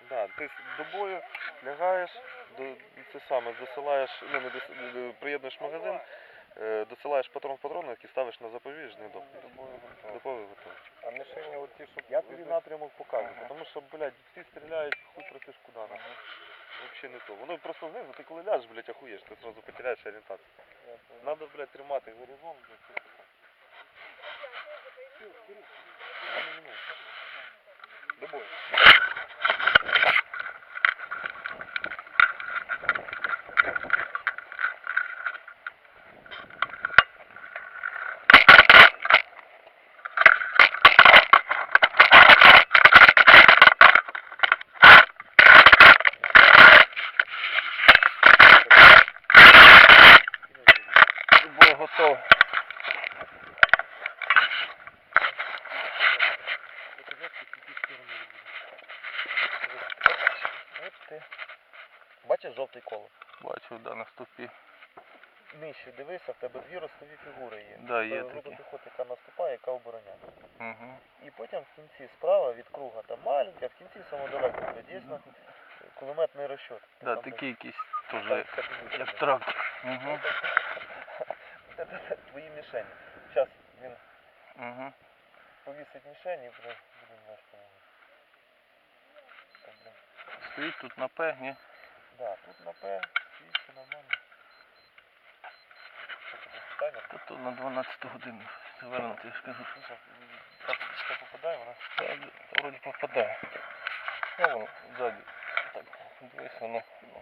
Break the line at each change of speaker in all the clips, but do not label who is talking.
Да, ти до бою лягаєш, це саме, досилаєш, ну, не приєднуєш магазин, досилаєш патрон в патронник і ставиш на запобіж, не дохнеш. До бою готовий.
А мішені оці, щоб...
Я тобі напрямок покажу, тому що, блядь, всі стріляють, хуй просиш куди. Взагалі не то. Воно просто знизу, ти коли ляжеш, блядь, охуєш, ти одразу потеряєш орієнтацію. Надо, блядь, тримати горизонт, блядь. До бою.
Готов.
Бачиш жовтий коло?
Бачу, да, на стопі.
Нижче дивися, в тебе дві ростові фігури є.
Да, є
Група
такі.
піхоти, яка наступає, яка обороняє.
Угу.
І потім в кінці справа від круга там маленька, в кінці самодалеко, дійсно кулеметний розчет.
Да,
там
такий якийсь теж,
так,
як трактор. Угу.
Це твої мішені. Зараз він
Угу.
повісить мішені і будемо вести.
Стоїть тут на П, ні?
Да, тут на П, стоїть все нормально. Що тобі, таймер?
Та то на 12 годину завернути, я ж кажу.
Так попадає вона?
Та вроді попадає. Ну, воно ззаді. Так, дивись, воно.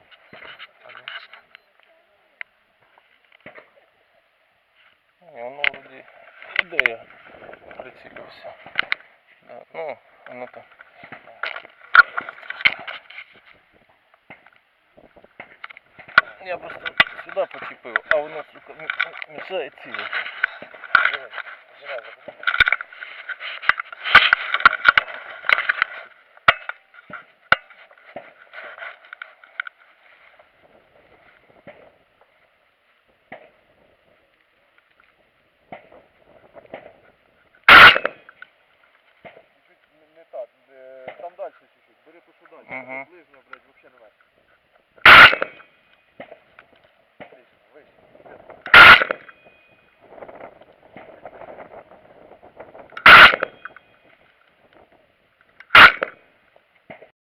Ні, воно вроді іде, я прицілився. Да, ну, воно так. Я просто сюди почепив, а воно, сука, мішає цілити.
Не так, там далі чуть-чуть, бери то, що далі.
Угу.
Ближньо, блядь, взагалі не надо.